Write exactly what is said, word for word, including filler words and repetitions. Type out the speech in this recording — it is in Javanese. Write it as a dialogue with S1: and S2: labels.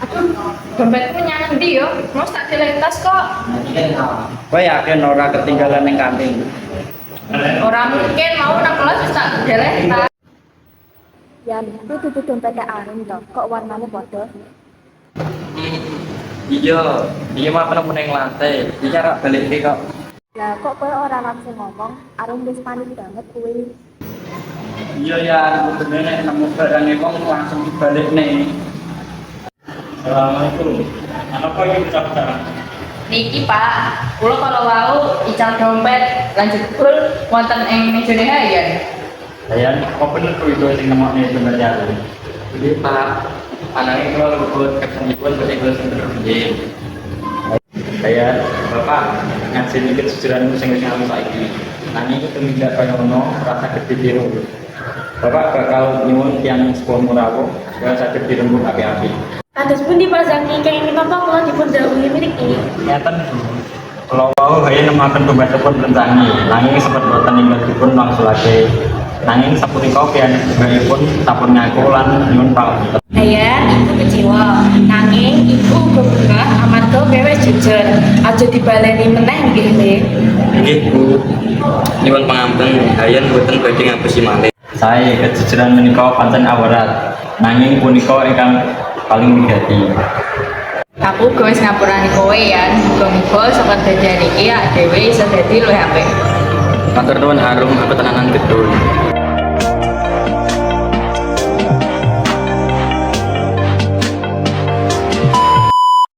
S1: Dompetku nyang endi yo? Mas tak deleng tas kok.
S2: Kowe yakin ora ketinggalan ning kantin?
S1: Ora mungkin mau nang kelas wis tak deleng tas.
S3: Yan, itu tutup dompetnya Arum toh, kok warnanya bodoh?
S2: Iya, iya mah penemu ning lantai. Iki rak balik iki kok.
S3: Lah kok kowe ora langsung ngomong, Arum wis panik banget kuwi.
S2: Iya ya, bener nek nemu barang e wong langsung dibalik nih. Assalamualaikum. Apa yang ucapkan?
S1: Niki Pak, kula kalau mau ical dompet lanjut full wonten ing mejane hayan.
S2: Ayan, apa bener kuwi itu sing nemokne dompetnya? Jadi Pak, anaknya kalau luput kesanipun berarti kalau sing terjadi. Saya, Bapak, ngasih ini kejujuran sing wis ngalu saiki. Nanging itu tidak kaya ngono, rasa gede biru. Bapak bakal nyuwun yang sepuh murawo supaya saged dirembuk api-api.
S3: Kados pundi Pak Zaki, kenging napa kula dipun dawuhi mriki?
S2: Ngeten, kalau wau kaya nemaken dompetipun rencangi, nanging sempat boten ninggalipun wangsulake. Nanging sapunika pian pun sampun ngaku lan nyuwun pangapunten.
S3: Ayan, ibu kecewa. Nanging ibu uga bungah amarga kowe jujur. Aja dibaleni meneh nggih, Dik.
S4: Nggih Bu, nyuwun pangampun, hayan boten badhe ngapusi malih.
S2: Saya kejujuran menika pancen awarat, nanging punika ingkang paling wigati.
S1: Aku wis ngapurani kowe ya, muga-muga saka dadian iki awake dhewe iso dadi luwih apik.
S4: Matur nuwun Harum, aku tenanan gedul.